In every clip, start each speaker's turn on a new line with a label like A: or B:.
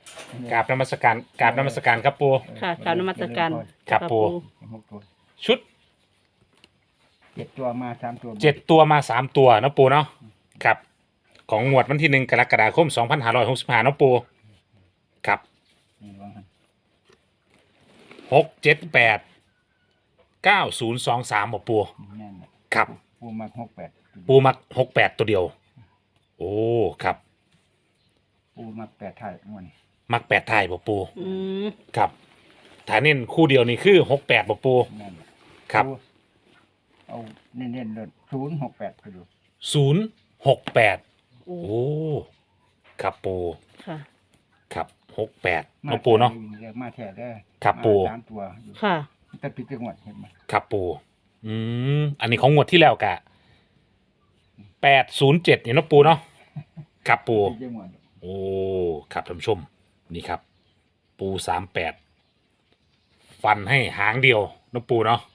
A: กราบนมัสการกราบนมัสการครับปู
B: ค่ะกราบนมัสการ
A: ครับปู่
C: หกตัว
A: ชุด
C: 7 ตัวมา3 ตัว
A: 7 ตัวมา3 ตัวเนาะปูเนาะครับของงวดวันที่1 กรกฎาคม 2565เนาะปูครับ
C: นี่ว่างั้น
A: 6 7 8 9 0 2 3บ่ปู
C: แน่นแหละ
A: ครับ
C: ปูมัก68
A: ปูมัก68 ตัวเดียว โอ้ครับ
C: ปูมัก8ไทยมัน
A: มัก8ไทยบ่ปู
B: อืม
A: ครับถ้าเน้นคู่เดียวนี่คือ68บ่ปู
C: แน่นแหละ
A: ครับ
C: ปูเอาเน้นๆเลย068ก็ดู
A: 068
B: โอ้
A: โอ้ครับปู
B: ค่ะ
A: ครับ68เนาะปูเนาะ
C: มาแท้เด้อ
A: ครับปู่
C: มา3 ตัวอยู่
B: ค่ะ
C: แต่ปิดจังหวัดเห็นไหม
A: ครับปูอันนี้ของงวดที่แล้วกะ807เนี่ยเนาะปูเนาะครับปู
C: ปิดจังหวัด
A: โอ้ครับท่านผู้ชมนี่ครับ ปู38ฟันให้หางเดียวเนาะปูเนาะ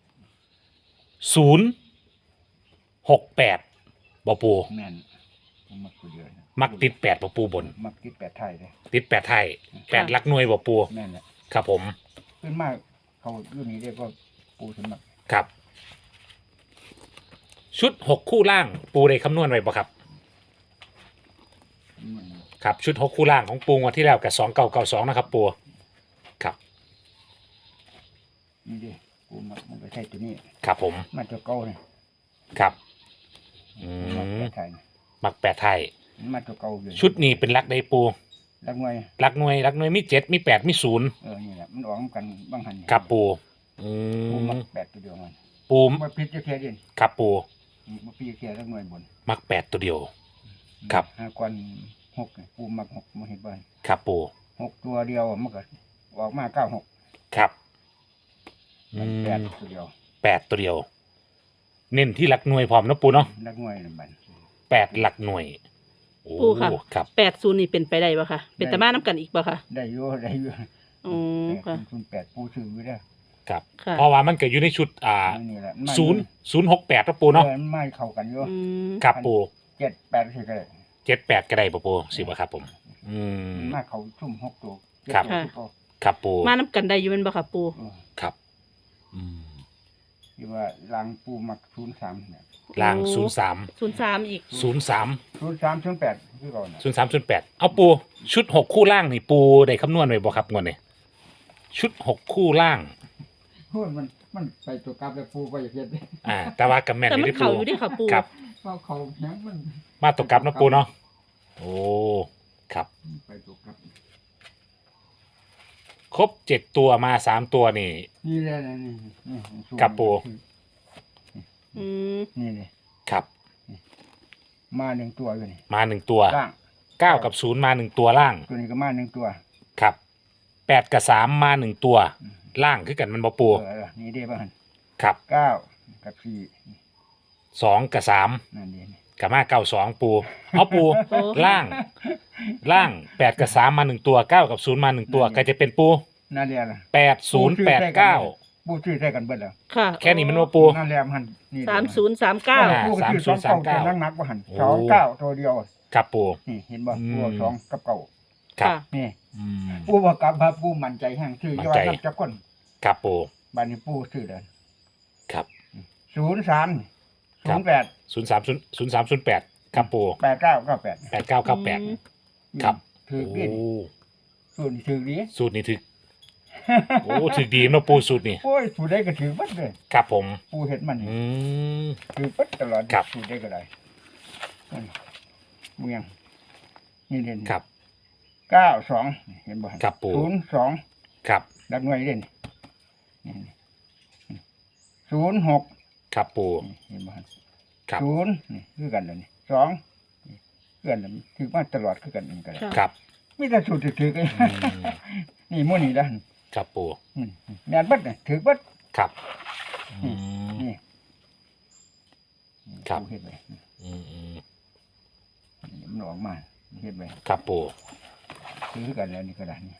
A: 068บ่ปู
C: แม่นปูมักตัวเดียวนะ
A: มักติด8บ่ปูบน
C: มักติด8ไทยเลย
A: ติด8ไทย8หลักหน่วยบ่ปู
C: แม่นแหละ
A: ครับผม
C: ขึ้นมากเขารุ่นนี้เรียกว่าปูสมัคร
A: ครับ ชุด6คู่ล่างปูได้คำนวณไว้บ่ครับ
C: มัน
A: ครับชุด6คู่ล่างของปูงวดที่แล้วกับ2992นะครับปูครับ
C: นี่ดิปูมักมันก็ใช่ตัวนี้
A: ครับผม
C: มันตัวเก่าเนี่ย
A: ครับ
C: มัก8ไทย
A: มัก8ไทย
C: มันตัวเก่าอยู่
A: ชุดนี้เป็นลักได้ปู
C: ลักงวย
A: ลักหน่วยมี7มี8มี0
C: นี่แหละมันออกกันบางหัน
A: ครับปูอื
C: ปูมั
A: ม
C: ก8ตัวเดียวมัน
A: ปู
C: มาพิษจะแค่เด่น
A: ครับปู
C: มาพิษแค่ลักงวยบน
A: มัก8ตัวเดียว ครับ
C: 5 ก้อน6เนี่ยปูมัก6มาเห็นบ้าน
A: ครับปู
C: 6ตัวเดียวมันก็ออกมา96
A: ครับ
C: 8ตัวเดียว
A: 8ตัวเดียว เน้นที่หลักหน่วยพร้อมนะปูเนาะ
C: ลักงวยนั่นบัด
A: 8หลักหน่วยโอ้
B: ปูค่ะ
A: ครับ
B: 80นี่เป็นไปได้บ่ค่ะ เป็นตะมาน้ำกันอีกบ่ค่ะ
C: ได้อยู่ได้อยู่
B: อืมค่ะ
C: 8ปูซื้อไว้ได้
A: ครับ
B: ค่ะ
A: เพราะว่ามันเกิดอยู่ในชุด
C: นี่แหละมัน
A: 068นะปูเนาะ
C: ไม่เข้ากันอยู่
B: อืม
A: ครับปู
C: 7 8สิก็ได้
A: 78ก็ได้ปะปูสิบ่ครับผม
C: มาเขาชุ่ม6ตัว
A: ครับ
C: 7ตัว
A: ครับปู
B: มาน้ำกันได้อยู่แม่นบ่ค่ะปู
A: ครับอืม
C: ที่ว่าลางปูมัก03เนี่ย
A: ล่าง
B: โอ้
A: 03
B: 03อีก
A: 03
C: 03 08คือก่อนน่ะ
A: 03 08เอาปูชุด6คู่ล่างนี่ปูได้คำนวณไว้บ่ครับงวดนี้ชุด6คู่ล่าง
C: โอ้ยมันไปตัวกลับแล้วปูไปเฮ็ด
A: แต่ว่ากับแม่น
B: แต่
A: นี่
B: มัน
A: ได้
B: เข้า
A: ปู
B: อยู่เด้ค่ะปู
A: ครับ
C: เขาแข็งมัน
A: มาตกกลับนะปูเนาะโอ้ครับ
C: ไปตัวกลับ
A: ครบ7ตัวมา3ตัวนี่
C: นี่แหละนี่สูง
A: ครับปู่
B: อืม
C: นี่เลย
A: ครับ
C: มา1ตัวอยู่นี่
A: มา1ตัว
C: ล่าง
A: 9กับ0มา1ตัวล่าง
C: ตัวนี้ก็มา1ตัว
A: ครับ8กับ3มา1ตัวล่างคือกันมันบ่ปู
C: นี่เด้บ่หั่น
A: ครับ
C: 9กับ4
A: 2กับ3
C: นั่นเด้นี่
A: กับมา92ปูเอาปูล่าง8กับ3มา1ตัว9กับ0มา1ตัวก็จะเป็นปู
C: นั่นแหละล่ะ
A: 8089
C: ปูชื่อใส่กันเบิดแล้ว
B: ค่ะ
A: แค่นี้มันบ่ปู
C: นั่นแหละมันนี่
B: 3039
C: ปูก็ชื่อ2
A: 3039
C: เก้าตัวนักบ่หั่น
A: โอ้
C: 29ตัวเดียว
A: ครับปู
C: นี่เห็นบ่
A: อืม
C: ปู2กับเก้า
A: ครับ
B: ค่ะ
C: นี่
A: อืม
C: ปูบ่กลับว่าปูมั่นใจแฮงชื่อ
A: มั่
C: ย
A: น
C: อด
A: ใจ
C: นับจักคน
A: ครับปู
C: บัดนี้ปูชื่อเด้อ
A: ครับ
C: 03
A: ครับ
C: 08
A: 0308ครับปู
C: 8998
A: 8998ครับ
C: ถือ
A: โอ้
C: ดิส่วนนี้ถือดี
A: สูตรนี้ถึกโอ้ถึกดีเนาะปูสูตรนี้
C: โอ้ยสูตรได้ก็ถือบัดเลย
A: ครับผม
C: ปูเห็นมันนี่
A: อืม
C: ถือบัดตลอด
A: ครับ
C: สูตรได้ก็ได้เมืองนี่เด่น
A: ครับ
C: 92เห็นบ่
A: ครับปู่
C: 02
A: ครับ
C: ดักหน่วยเด่น06
A: ครับปู
C: เห็นบ่
A: ครับ
C: 0นี่คือกันแล้วนี่2นี่คือกันแล้วถือมาตลอดคือกันนี่ก็ได้
B: ค่ะ
A: ครับ
C: มีแต่สูตรถือกัน
A: อืม
C: นี่หมู่นี่ล่ะ
A: ครับปู
C: แม่นบัดนี่ถือบัด
A: ครับอืม
C: นี่
A: ครับ
C: ปูเฮ็ดไว้
A: อืมอืม
C: มันออกมาเฮ็ดไว้
A: ครับปู
C: ถือกันแล้วนี่ก็ได้นี่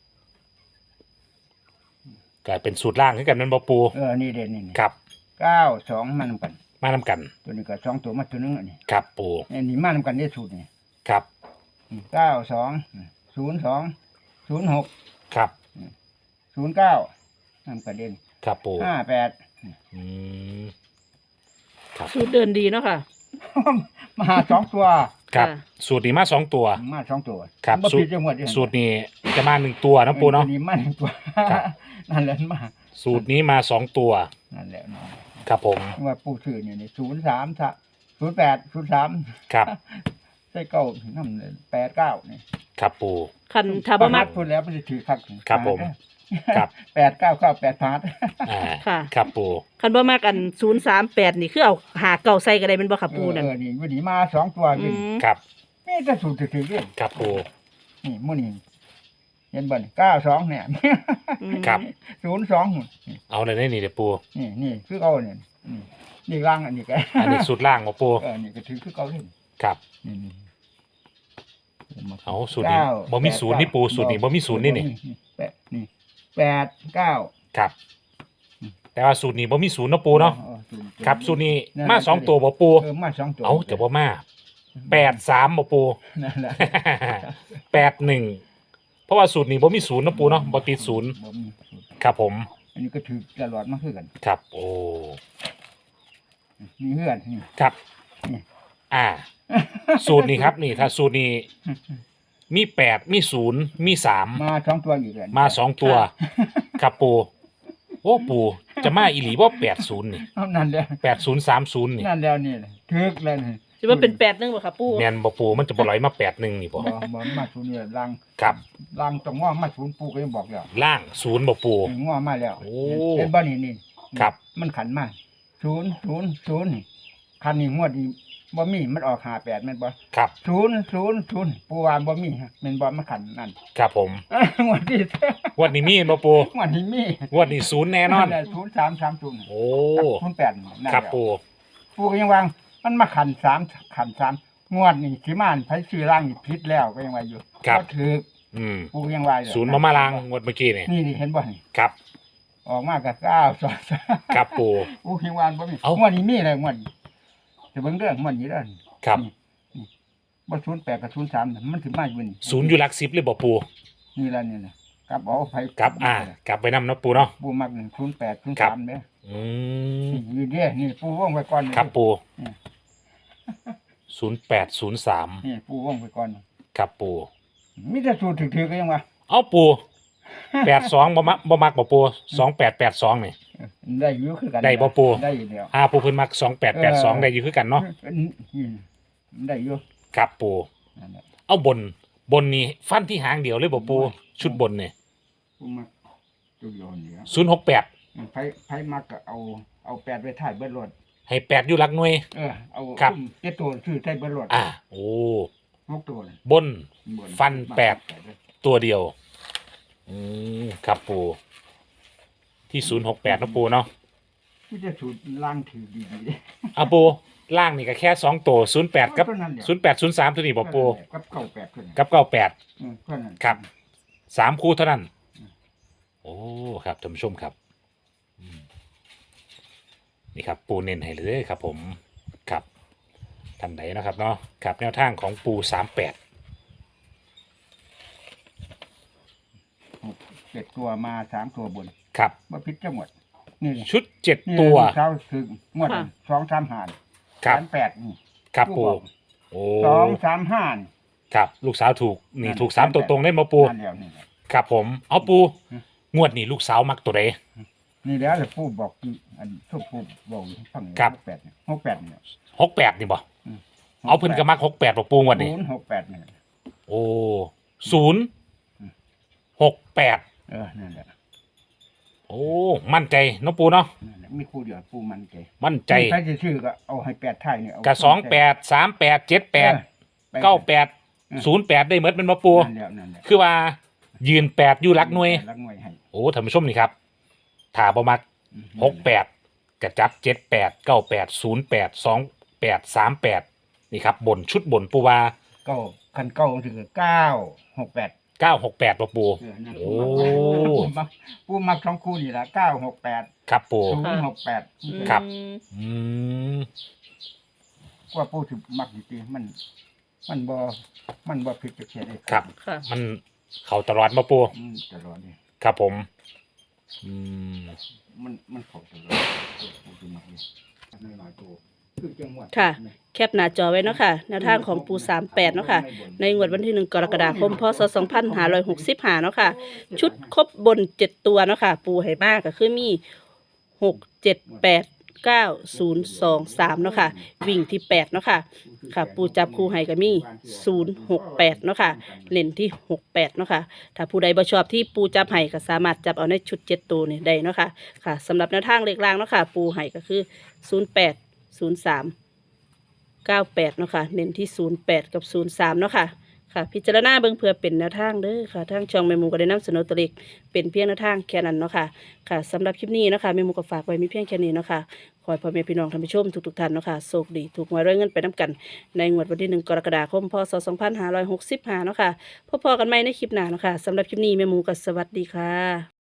A: กลายเป็นสูตรล่างขึ้นกันนั่นบ่ปู
C: นี่เด่นนี่
A: ครับ
C: 92มานำกัน
A: มานำกัน
C: ตัวนี้ก็2ตัวมาตัวนึงอันนี้
A: ครับปู
C: อันนี้มานำกันได้สูตรนี่
A: ครับ
C: 92 02 06
A: ครับ
C: 09นั่นประเด็น
A: ครับปู
C: 58
A: อืมครับ
B: สูตรเดินดีเนาะค่ะ
C: มา2ตัว
A: ครับ
B: ค่ะ
A: สูตรนี้มาสองตัว
C: มา2ตัว
A: ครับ
C: บ่ผิดจังหวัด
A: สูตรนี้จะมาหนึ่งตัวนะปูเนาะ
C: นี่มา1ตัว
A: ครับ
C: นั่นแหละมา
A: สูตรนี้มาสองตัว
C: นั่นแหละเนาะ
A: ครับผม
C: ว่าปู่ชื่อนี่08 03
A: ครับ
C: ใส่เก้านำ89นี่
A: ครับปู
B: คันถ้าบ่มัก
C: พูดแล้วมันสิถือคัก
A: ครับผมครับ
C: 8998พาร์ท
A: อ่า
B: ค่ะ
A: ครับปู
B: คันบ่มักอัน038นี่คือเอาหาเก่าใส่ก็ได้เป็นบ่ค่ะปูนั่น
C: นี่วันนี้มา2ตัว
B: อื
C: นี่
B: ม
A: ครับ
C: มีแต่สูตรถือๆเด้
A: ครับปู
C: นี่มื้อนี้เห็นบ่นี่92เนี่ย
B: อืม
A: ครับ
C: 02นี่
A: เอาเลยได้นี่เดี๋ยวปู
C: นี่คือเอาเนี่ยนี่ร่างอันนี้ก็
A: อันนี้สูตรล่างของปู
C: นี่ก็ถือคือเก่าเลย
A: ครับ
C: นี่
A: เอาสูตรนี้บ่มีศูนย์นี่ปูสูตรนี้บ่มีศูนย์นี่นี่
C: นี่89
A: ครับ แต่ว่าสูตรนี้บ่มีศูนย์เนาะปูเนาะครับสูตรนี้มาสองตัวบ่ปู
C: มา2ตัว
A: เอาจะบ่มา83บ่ปู
C: นั่นแหละ
A: 81เพราะว่าสูตรนี้บ่มีศูนย์เนาะปูเนาะบ่ติดศูนย์
C: บ่มีสูตร
A: ครับผม
C: อันนี้ก็ถือตลอดมาคือกัน
A: ครับโอ้
C: มีเฮือนนี่
A: ครับ
C: นี่
A: อ่า สูตรนี้ครับนี่ถ้าสูตรนี้มี8มี0มี3
C: มา2ตัวอยู่เลย
A: มา2ตัวครับปูโอ้ปูจะมาอีหลีบ่80นี่
C: เอานั่นแหละ
A: 8030นี่
C: นั่นแล้วนี่ถึกเลยนี่
B: สิว่าเป็น8นึงบ่ค่ะปู
A: แม่นบ่ปูมันจะบ่ไหลมา81นี่บ่
C: บ่มาศูนย์นี่ล่าง
A: ครับ
C: ล่างต้องง้อมาศูนย์ปูก็ยังบอกแล้ว
A: ล่าง0บ่ปู
C: ง้อมาแล้ว
A: โอ้
C: เป็นบ่นี่นี่
A: ครับ
C: มันขันมา000นี่คันนี้งวดนี้บ่มีมันออก58แม่นบ่
A: ครับ
C: 000ปูว่าบ่มีแม่นบ่มันขันนั่น
A: ครับผม
C: งวดนี้
A: งวันนี้มีบ่ปู
C: งวดนี้มี
A: งวันนี้0แน่นอน
C: 0330
A: โอ้
C: กับ08นั่น
A: ครับ
C: แล้ว
A: ปู
C: ปูก็ยังวางมันมาขัน3งวดนี่สิมาไผซื้อร่างนี่ผิดแล้วก็ยังว่าอยู่
A: ครับ
C: ก็ถือ
A: อืม
C: ปูก็ยังว่าอยู่
A: ศูนย์มาลางงวดเมื่อกี้นี่
C: นี่เห็นบ่นี่
A: ครับ
C: ออกมากับ9
A: ครับปู
C: ปูก็ยังว่าบ่มี
A: เอ้า
C: งวดนี้มีเลยงวดนี้จะเบิ่งเรื่องงวดนี้เด้อ
A: ครับ
C: นี่บ่08กับ03น่ะมันสิมาอยู่นี่
A: ศูนย์อยู่หลัก10เลยบ่ปู
C: นี่ล่ะนี่น่ะกลับเอาไผ
A: ครับกลับไปนำเนาะปูเนาะ
C: ปูมัก08
A: ครับ
C: 03เด้อ
A: อืม
C: นี่เด้อนี่ปูวงไว้ก่อน
A: ครับปู
C: นี่
A: 0803
C: นี่ปูวงไว้ก่อน
A: ครับปู
C: มีแต่สูตรถือๆก็ยังว่า
A: เอาปู82บ่มักบ่ปู2882นี่
C: ได้อยู่คือกัน
A: ได้บ่ปู่
C: ได้อยู่แล้ว
A: ปูเพิ่นมัก2882ได้อยู่คือกันเนาะ
C: ได้อยู่
A: ครับปู
C: นั่นแหละ
A: เอาบนนี่ฟันที่หางเดียวเลยบ่ปูชุดบนนี่
C: ปูมักตัวโยนนี่ครับ
A: 068
C: ไผมักก็เอา8ไว้ท้ายเบิดรถ
A: ให้8อยู่หลักหน่วย
C: เอา
A: ครับ
C: เจ็ดตัวชื่อท้ายเบิดรถ
A: โอ้
C: 6ตัวเลย
A: บน
C: บ
A: ฟัน8 ตัวเดียวครับปูที่068นะปูเนาะ
C: ที่จะสูตรล่างถือดีๆเด้
A: เอาปูล่างนี่ก็แค่2ตัว08กับ
C: เท่านั้นเดียว
A: 0803ตัวนี้บ่ปู
C: กับ98เท่านั้น
A: กับ98
C: เท่านั้น
A: ครับ 3คู่เท่านั้น โอ้ครับท่านผู้ชมครับนี่ครับปูเน้นให้เลยครับ ผมครับท่านใดนะครับเนาะครับแนวทางของปู38
C: 7ตัวมา3ตัวบน
A: ครับ
C: บ่ผิดจังหวัดนี่
A: ชุด
C: นี่
A: 7 ตัว
C: เช้าถึงงวด
B: ค่ะ
C: 2-3หาร
A: ครับ
C: 38นี่
A: ครับปูโอ้
C: 2-3-5นี่
A: ครับลูกสาวถูกนี่ถูก3ตัวตรงเล่นมาปู
C: นั่นแล้วนี่แหละ
A: ครับผมเอาปูงวดนี้ลูกสาวมักตัวใด
C: นี่แล้วแต่ผู้บอกอยู่อันทุกผู้บอกอยู่ฟัง
A: ครับ
C: 68เนี่ย68เนี่ย
A: 68นี่บ่เอาเพิ่นก็มัก68บ่ปูงวดนี้
C: 068เนี่ย
A: โอ้068
C: นั่นแหละ
A: โอ้มั่นใจเนาะปูเนาะ
C: นั่นแหละมีคู่เดียวผู้มันใจ
A: มั่นใจ
C: ใครจะชื่อก็เอาให้8ท้ายเนี่ยเอา
A: กับ28 38 78 98 08ได้หมดเป็นบ่ปู
C: นั่นแล้วนั่นแหละ
A: คือว่ายืน8อยู่หลักหน่วย
C: รักหน่วยให้
A: โอ้ท่านผู้ชมนี่ครับถ้าบ่มัก68กระจับ78 98 08 28 38นี่ครับบนชุดบนปูว่า
C: ก็คันเก้าถึง968
A: 968บ่ปู
C: นั่น
A: โอ้
C: ผู้มักสองคู่นี่ละ968
A: ครับปู
C: 068
A: ครับ
B: อืม
A: อืม
C: ว่าผู้ที่มักจริงๆมันบ่ผิดจากเสียได้
A: ครับ
B: ค่ะ
A: มันเขาตลอดมาปู
C: ตลอดนี่
A: ครับผมอืม
C: มันเข้าตลอดมันคือมันนี่น้อยๆตัวคือจังหวัด
B: ค่ะ แคปหน้าจอไว้เนาะค่ะแนวทางของปู38เนาะค่ะในงวดวันที่1กรกฎาคมพศ2565เนาะค่ะชุดครบบน7ตัวเนาะค่ะปูให้มากก็คือมี6 7 8 9 0 2 3เนาะค่ะวิ่งที่8เนาะค่ะค่ะปูจับคู่ให้ก็มี0 6 8เนาะค่ะเล่นที่68เนาะค่ะถ้าผู้ใดบ่ชอบที่ปูจับให้ก็สามารถจับเอาในชุด7ตัวนี่ได้เนาะค่ะค่ะสำหรับแนวทางเลขล่างเนาะค่ะปูให้ก็คือ08 03 98เนาะค่ะเน้นที่08กับ03เนาะค่ะค่ะพิจารณาเบิ่งเพื่อเป็นแนวทางเด้อค่ะทางช่องแม่หมูก็ได้นำเสนอตัวเลขเป็นเพียงแนวทางแค่นั้นเนาะค่ะค่ะสำหรับคลิปนี้เนาะค่ะแม่หมูก็ฝากไว้มีเพียงแค่นี้เนาะค่ะขอให้พ่อแม่พี่น้องท่านผู้ชมทุกๆท่านเนาะค่ะโชคดีถูกหวยรวยเงินไปนํกันในงวดวันที่1กรกฎาคมพศ2565เนาะค่ะพบกันใหม่ในคลิปหน้าเนาะค่ะสำหรับคลิปนี้แม่หมูก็สวัสดีค่ะ